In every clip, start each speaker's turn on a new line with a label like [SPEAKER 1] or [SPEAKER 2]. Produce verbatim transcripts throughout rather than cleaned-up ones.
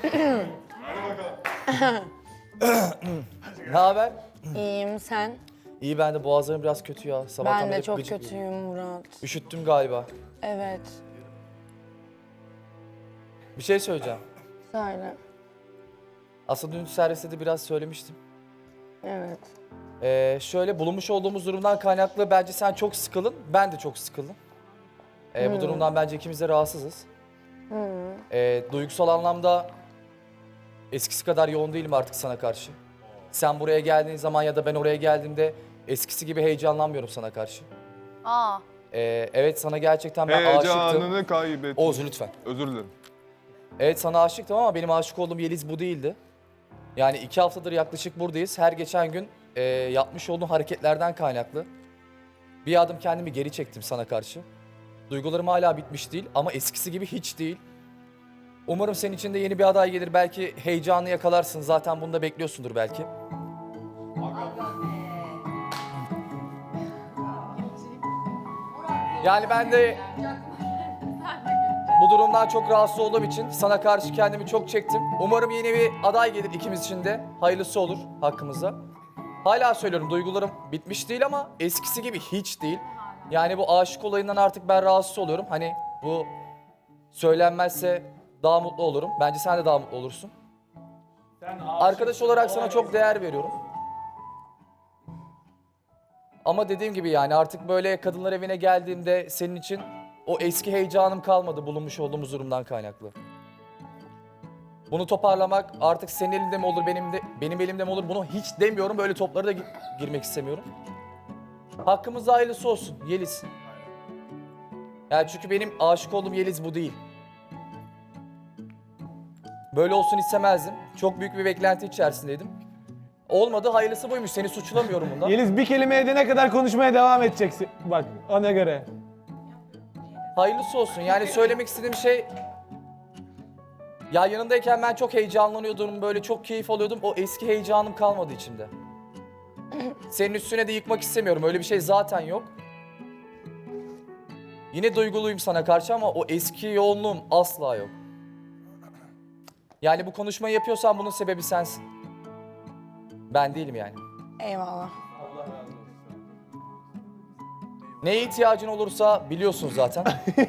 [SPEAKER 1] Ne haber?
[SPEAKER 2] İyiyim sen?
[SPEAKER 1] İyi, ben de boğazlarım biraz kötü ya. Sabahtan
[SPEAKER 2] Ben de
[SPEAKER 1] beri
[SPEAKER 2] çok
[SPEAKER 1] gıcık.
[SPEAKER 2] kötüyüm Murat.
[SPEAKER 1] Üşüttüm galiba.
[SPEAKER 2] Evet.
[SPEAKER 1] Bir şey söyleyeceğim.
[SPEAKER 2] Söyle.
[SPEAKER 1] Aslında dün serviste de biraz söylemiştim.
[SPEAKER 2] Evet.
[SPEAKER 1] Ee, şöyle bulunmuş olduğumuz durumdan kaynaklı bence sen çok sıkılın, ben de çok sıkıldım. Ee, Bu durumdan bence ikimiz de rahatsızız. Ee, duygusal anlamda eskisi kadar yoğun değilim artık sana karşı. Sen buraya geldiğin zaman ya da ben oraya geldiğimde eskisi gibi heyecanlanmıyorum sana karşı.
[SPEAKER 3] Aa.
[SPEAKER 1] Ee, evet, sana gerçekten ben aşıktım.
[SPEAKER 4] Heyecanını kaybettim.
[SPEAKER 1] Oğuz lütfen.
[SPEAKER 4] Özür dilerim.
[SPEAKER 1] Evet, sana aşıktım ama benim aşık olduğum Yeliz bu değildi. Yani iki haftadır yaklaşık buradayız. Her geçen gün e, yapmış olduğum hareketlerden kaynaklı bir adım kendimi geri çektim sana karşı. Duygularım hala bitmiş değil ama eskisi gibi hiç değil. Umarım senin için de yeni bir aday gelir. Belki heyecanı yakalarsın. Zaten bunu da bekliyorsundur belki. Yani ben de bu durumdan çok rahatsız olduğum için sana karşı kendimi çok çektim. Umarım yeni bir aday gelir ikimiz için de. Hayırlısı olur hakkımızda. Hala söylüyorum, duygularım bitmiş değil ama eskisi gibi hiç değil. Yani bu aşık olayından artık ben rahatsız oluyorum. Hani bu söylenmezse daha mutlu olurum. Bence sen de daha mutlu olursun. Arkadaş olarak sana çok değer veriyorum. Ama dediğim gibi yani artık böyle kadınlar evine geldiğimde senin için o eski heyecanım kalmadı bulunmuş olduğumuz durumdan kaynaklı. Bunu toparlamak artık senin elinde mi olur, benim de benim elimde mi olur, bunu hiç demiyorum. Böyle toplara da gi- girmek istemiyorum. Hakkımızda hayırlısı olsun Yeliz. Yani çünkü benim aşık olduğum Yeliz bu değil. Böyle olsun istemezdim. Çok büyük bir beklenti içerisindeydim. Olmadı, hayırlısı buymuş. Seni suçlamıyorum bundan.
[SPEAKER 5] Yeliz bir kelime edene kadar konuşmaya devam edeceksin. Bak ona göre.
[SPEAKER 1] Hayırlısı olsun. Yani söylemek istediğim şey... Ya yanındayken ben çok heyecanlanıyordum, böyle çok keyif alıyordum. O eski heyecanım kalmadı içimde. Senin üstüne de yıkmak istemiyorum. Öyle bir şey zaten yok. Yine duyguluyum sana karşı ama o eski yoğunluğum asla yok. Yani bu konuşmayı yapıyorsan bunun sebebi sensin. Ben değilim yani.
[SPEAKER 2] Eyvallah.
[SPEAKER 1] Neye ihtiyacın olursa biliyorsun zaten.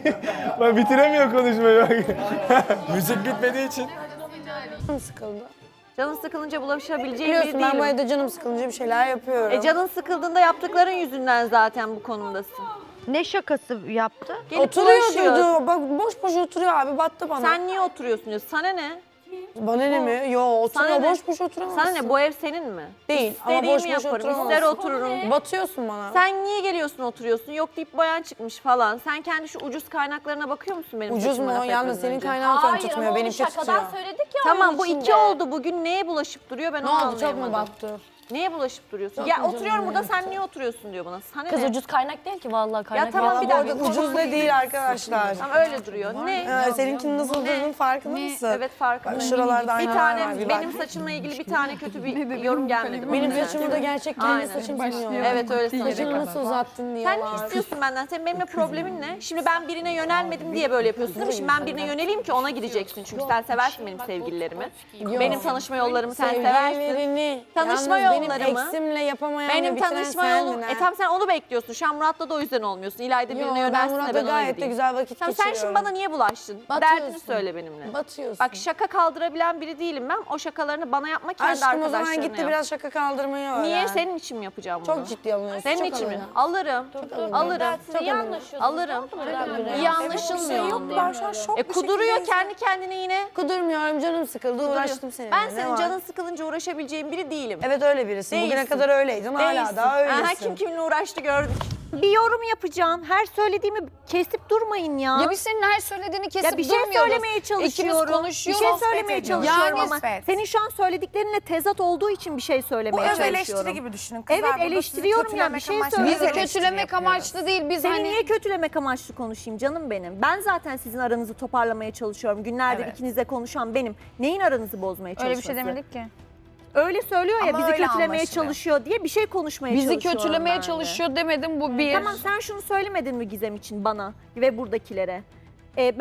[SPEAKER 5] Bak bitiremiyor konuşmayı bak.
[SPEAKER 1] Müzik bitmediği için.
[SPEAKER 2] Canım sıkıldı.
[SPEAKER 3] Canın sıkılınca bulaşabileceğin biri
[SPEAKER 2] Biliyorsun ben
[SPEAKER 3] değilim.
[SPEAKER 2] bu evde canım sıkılınca bir şeyler yapıyorum.
[SPEAKER 3] E canın sıkıldığında yaptıkların yüzünden zaten bu konumdasın.
[SPEAKER 6] Ne şakası yaptı?
[SPEAKER 3] Gelip
[SPEAKER 2] Oturuyor
[SPEAKER 3] bulaşıyor.
[SPEAKER 2] durdu. Bak boş boş oturuyor abi, battı bana.
[SPEAKER 3] Sen niye oturuyorsun diyor. Sana ne?
[SPEAKER 2] Bana ne mi? Yo, oturuyor,
[SPEAKER 3] Sana ne?
[SPEAKER 2] boş boş oturamazsın.
[SPEAKER 3] Sana ne? Bu ev senin mi?
[SPEAKER 2] Değil ama
[SPEAKER 3] İstediğimi
[SPEAKER 2] boş boş
[SPEAKER 3] yaparım.
[SPEAKER 2] oturamazsın.
[SPEAKER 3] İster otururum.
[SPEAKER 2] Batıyorsun bana.
[SPEAKER 3] Sen niye geliyorsun oturuyorsun? Yok deyip bayan çıkmış falan. Sen kendi şu ucuz kaynaklarına bakıyor musun benim
[SPEAKER 2] Ucuz
[SPEAKER 3] saçıma
[SPEAKER 2] mu?
[SPEAKER 3] laf
[SPEAKER 2] Yalnız
[SPEAKER 3] etmeden
[SPEAKER 2] senin
[SPEAKER 3] önce?
[SPEAKER 2] kaynağın falan
[SPEAKER 7] Hayır
[SPEAKER 2] tutmuyor,
[SPEAKER 7] ama onu
[SPEAKER 2] benimki tutuyor.
[SPEAKER 7] şakadan söyledik ya.
[SPEAKER 3] Tamam
[SPEAKER 7] onun
[SPEAKER 3] bu
[SPEAKER 7] içinde.
[SPEAKER 3] iki oldu. Bugün neye bulaşıp duruyor ben
[SPEAKER 2] Ne
[SPEAKER 3] onu
[SPEAKER 2] oldu, çok mu
[SPEAKER 3] anlayamadım.
[SPEAKER 2] battı?
[SPEAKER 3] Neye bulaşıp duruyorsun?
[SPEAKER 2] Çok
[SPEAKER 3] ya
[SPEAKER 2] mu
[SPEAKER 3] oturuyorum
[SPEAKER 2] canım
[SPEAKER 3] burada
[SPEAKER 2] ya?
[SPEAKER 3] sen niye oturuyorsun diyor bana. Sana
[SPEAKER 7] Kız
[SPEAKER 3] ne?
[SPEAKER 7] ucuz kaynak değil ki vallahi kaynak.
[SPEAKER 3] tamam,
[SPEAKER 2] Valla
[SPEAKER 3] bir
[SPEAKER 2] bu
[SPEAKER 3] dakika,
[SPEAKER 2] arada ucuz da değil arkadaşlar.
[SPEAKER 3] Tamam öyle duruyor. Ne?
[SPEAKER 2] Ee, seninkinin nasıl durduğunun farkında mısın?
[SPEAKER 3] Evet farkındayım.
[SPEAKER 2] Bak şuralarda
[SPEAKER 3] Bir
[SPEAKER 2] aynalar
[SPEAKER 3] tane
[SPEAKER 2] var, bir bak.
[SPEAKER 3] benim saçımla ilgili bir tane kötü bir yorum gelmedi.
[SPEAKER 2] Benim
[SPEAKER 3] bana.
[SPEAKER 2] saçımı da gerçek kendi
[SPEAKER 3] Aynen.
[SPEAKER 2] saçım sanıyor.
[SPEAKER 3] Evet öyle sanırım.
[SPEAKER 2] Saçını nasıl uzattın
[SPEAKER 3] Sen
[SPEAKER 2] diyorlar.
[SPEAKER 3] ne istiyorsun benden? Senin benimle problemin ne? Şimdi ben birine yönelmedim diye böyle yapıyorsun değil mi? Şimdi ben birine yöneleyim ki ona gideceksin. Çünkü sen seversin benim sevgililerimi. Benim tanışma yollarımı sen seversin.
[SPEAKER 2] Sevgililerini,
[SPEAKER 3] Tanışma
[SPEAKER 2] yalnız
[SPEAKER 3] yollarımı-
[SPEAKER 2] benim eksimle yapamayan
[SPEAKER 3] Benim
[SPEAKER 2] ve bitiren
[SPEAKER 3] tanışma yolum...
[SPEAKER 2] sendin ha.
[SPEAKER 3] E tamam sen onu bekliyorsun. Şu an Murat'la da o yüzden olmuyorsun. İlayda
[SPEAKER 2] Yo,
[SPEAKER 3] birine
[SPEAKER 2] ben
[SPEAKER 3] yönelsin de
[SPEAKER 2] Murat'la
[SPEAKER 3] ben ona
[SPEAKER 2] gayet de
[SPEAKER 3] gideyim.
[SPEAKER 2] güzel vakit
[SPEAKER 3] Tamam, sen
[SPEAKER 2] geçiriyorum.
[SPEAKER 3] şimdi bana niye bulaştın?
[SPEAKER 2] Batıyorsun.
[SPEAKER 3] Derdini söyle benimle.
[SPEAKER 2] Batıyorsun.
[SPEAKER 3] Bak şaka kaldırabilen biri değilim ben. O şakalarını bana yapma, kendi
[SPEAKER 2] Aşkım o
[SPEAKER 3] arkadaşlarına
[SPEAKER 2] zaman gitti
[SPEAKER 3] yap.
[SPEAKER 2] biraz şaka kaldırmayı öğren.
[SPEAKER 3] Niye? Senin için mi yapacağım bunu?
[SPEAKER 2] Çok ciddi alınıyorsun.
[SPEAKER 3] Senin
[SPEAKER 2] çok
[SPEAKER 3] için mi?
[SPEAKER 2] alınıyorsun.
[SPEAKER 3] Alırım. Alırım.
[SPEAKER 2] Çok
[SPEAKER 7] İyi
[SPEAKER 2] alınıyorsun.
[SPEAKER 7] anlaşıyorsunuz.
[SPEAKER 3] Alırım. İyi anlaşılmıyor onunla.
[SPEAKER 2] Ben şu an şok
[SPEAKER 3] E
[SPEAKER 2] bir
[SPEAKER 3] kuduruyor
[SPEAKER 2] şekilde-
[SPEAKER 3] kendi kendine yine.
[SPEAKER 2] Kudurmuyorum, canım sıkıldı, uğraştım seninle.
[SPEAKER 3] Ben
[SPEAKER 2] Ne
[SPEAKER 3] senin
[SPEAKER 2] var?
[SPEAKER 3] canın sıkılınca uğraşabileceğin biri değilim.
[SPEAKER 2] Evet öyle birisin. Bugüne
[SPEAKER 3] Değilsin.
[SPEAKER 2] kadar öyleydin, hala
[SPEAKER 3] Değilsin.
[SPEAKER 2] daha öylesin.
[SPEAKER 3] Aha, kim kiminle uğraştı gördük. Bir yorum yapacağım. Her söylediğimi kesip durmayın ya.
[SPEAKER 6] Ya biz senin her söylediğini kesip
[SPEAKER 3] Ya bir şey
[SPEAKER 6] durmuyoruz.
[SPEAKER 3] söylemeye çalışıyorum.
[SPEAKER 6] İkimiz konuşuyoruz.
[SPEAKER 3] Bir şey söylemeye çalışıyorum
[SPEAKER 6] Yani
[SPEAKER 3] ama
[SPEAKER 6] nispet.
[SPEAKER 3] senin şu an söylediklerinle tezat olduğu için bir şey söylemeye
[SPEAKER 8] Bu öz
[SPEAKER 3] çalışıyorum.
[SPEAKER 8] eleştiri gibi düşünün kızlar.
[SPEAKER 3] Evet
[SPEAKER 8] Burada
[SPEAKER 3] eleştiriyorum
[SPEAKER 8] sizi
[SPEAKER 3] ya bir şey
[SPEAKER 8] kötülemek amaçlı
[SPEAKER 3] söylüyorum.
[SPEAKER 6] Bizi
[SPEAKER 8] eleştiri
[SPEAKER 6] kötülemek
[SPEAKER 8] yapıyoruz.
[SPEAKER 6] amaçlı değil. Biz
[SPEAKER 3] Seni
[SPEAKER 6] hani
[SPEAKER 3] niye kötülemek amaçlı konuşayım canım benim? Ben zaten sizin aranızı toparlamaya çalışıyorum. Günlerdir
[SPEAKER 8] Evet.
[SPEAKER 3] ikinizle konuşan benim. Neyin aranızı bozmaya çalışması?
[SPEAKER 6] öyle bir şey demedik ki.
[SPEAKER 3] Öyle söylüyor ya
[SPEAKER 8] Ama
[SPEAKER 3] bizi
[SPEAKER 8] öyle
[SPEAKER 3] kötülemeye
[SPEAKER 8] anlaşılıyor.
[SPEAKER 3] çalışıyor diye bir şey konuşmaya
[SPEAKER 6] Bizi
[SPEAKER 3] çalışıyorum
[SPEAKER 6] kötülemeye
[SPEAKER 3] ben de.
[SPEAKER 6] çalışıyor demedim bu bir.
[SPEAKER 3] Tamam sen şunu söylemedin mi Gizem için bana ve buradakilere? Ee, ben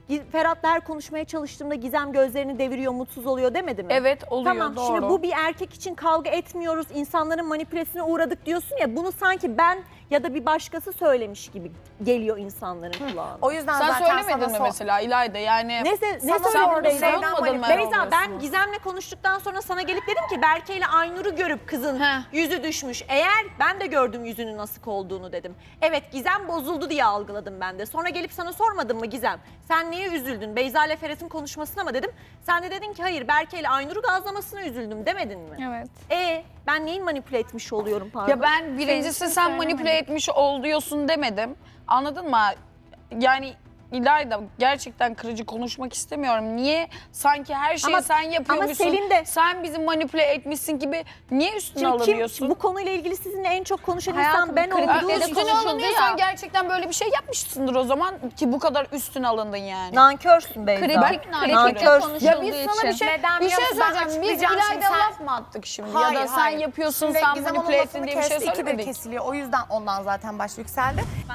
[SPEAKER 4] Gi- Ferhat'la her konuşmaya çalıştığımda Gizem gözlerini deviriyor, mutsuz oluyor demedi mi?
[SPEAKER 8] Evet oluyor,
[SPEAKER 4] Tamam
[SPEAKER 8] doğru.
[SPEAKER 4] şimdi bu bir erkek için kavga etmiyoruz, insanların manipülasyona uğradık diyorsun ya, bunu sanki ben ya da bir başkası söylemiş gibi geliyor insanların kulağına.
[SPEAKER 9] O yüzden
[SPEAKER 8] Sen
[SPEAKER 9] zaten
[SPEAKER 8] söylemedin
[SPEAKER 9] sana
[SPEAKER 8] mi
[SPEAKER 9] sor-
[SPEAKER 8] mesela İlayda yani?
[SPEAKER 4] Ne, se- ne
[SPEAKER 9] Sana
[SPEAKER 4] söylüyor
[SPEAKER 9] sordum,
[SPEAKER 4] Beyza?
[SPEAKER 9] Beyza
[SPEAKER 8] savunmadın mı?
[SPEAKER 4] Beyza ben
[SPEAKER 9] oluyorsunuz.
[SPEAKER 4] Gizem'le konuştuktan sonra sana gelip dedim ki Berke ile Aynur'u görüp kızın
[SPEAKER 8] Heh.
[SPEAKER 4] yüzü düşmüş. Eğer ben de gördüm yüzünün nasıl olduğunu dedim. Evet Gizem bozuldu diye algıladım ben de. Sonra gelip sana sormadım mı Gizem? Sen niye üzüldün? Beyza ile Ferhat'ın konuşmasına mı dedim. Sen de dedin ki hayır Berke ile Aynur'u gazlamasına üzüldüm demedin mi?
[SPEAKER 8] Evet.
[SPEAKER 4] E ben neyin manipüle etmiş oluyorum pardon?
[SPEAKER 8] Ya ben birincisi sen manipüle etmiş ol diyorsun demedim. Anladın mı? Yani İlayda gerçekten kırıcı konuşmak istemiyorum. Niye sanki her şeyi
[SPEAKER 4] Ama-
[SPEAKER 8] sen yapıyormuşsun,
[SPEAKER 4] ama Selin de-
[SPEAKER 8] sen bizi manipüle etmişsin gibi niye üstüne
[SPEAKER 4] Şimdi kim,
[SPEAKER 8] alınıyorsun?
[SPEAKER 4] bu konuyla ilgili sizinle en çok konuşan
[SPEAKER 7] Hayatım,
[SPEAKER 4] insan ben
[SPEAKER 7] kritikte
[SPEAKER 4] olduğum
[SPEAKER 7] de
[SPEAKER 4] için
[SPEAKER 8] Üstüne
[SPEAKER 7] konuşuldu
[SPEAKER 8] alınıyorsan
[SPEAKER 7] ya.
[SPEAKER 8] gerçekten böyle bir şey yapmışsındır o zaman ki bu kadar üstüne alındın yani.
[SPEAKER 4] nankörsün Beyza.
[SPEAKER 7] Kritik, kritikte
[SPEAKER 4] Nankörsün.
[SPEAKER 7] konuşulduğu
[SPEAKER 8] Ya biz sana bir
[SPEAKER 7] için.
[SPEAKER 8] şey,
[SPEAKER 9] Neden
[SPEAKER 8] bir
[SPEAKER 9] biliyor
[SPEAKER 8] şey
[SPEAKER 9] musun? Ben
[SPEAKER 8] söyleyeceğim. Biz
[SPEAKER 9] açıklayacağım
[SPEAKER 8] İlayda
[SPEAKER 9] şimdi. Sen-
[SPEAKER 8] laf mı attık şimdi?
[SPEAKER 9] Hayır,
[SPEAKER 8] ya da sen
[SPEAKER 9] hayır.
[SPEAKER 8] yapıyorsun,
[SPEAKER 9] Şimdi
[SPEAKER 8] sen
[SPEAKER 9] Gizem onun
[SPEAKER 8] manipüle
[SPEAKER 9] lafını
[SPEAKER 8] ettin diye bir şey
[SPEAKER 9] kesti, ikidir
[SPEAKER 8] söylemedik.
[SPEAKER 9] kesiliyor. O yüzden ondan zaten baş yükseldi.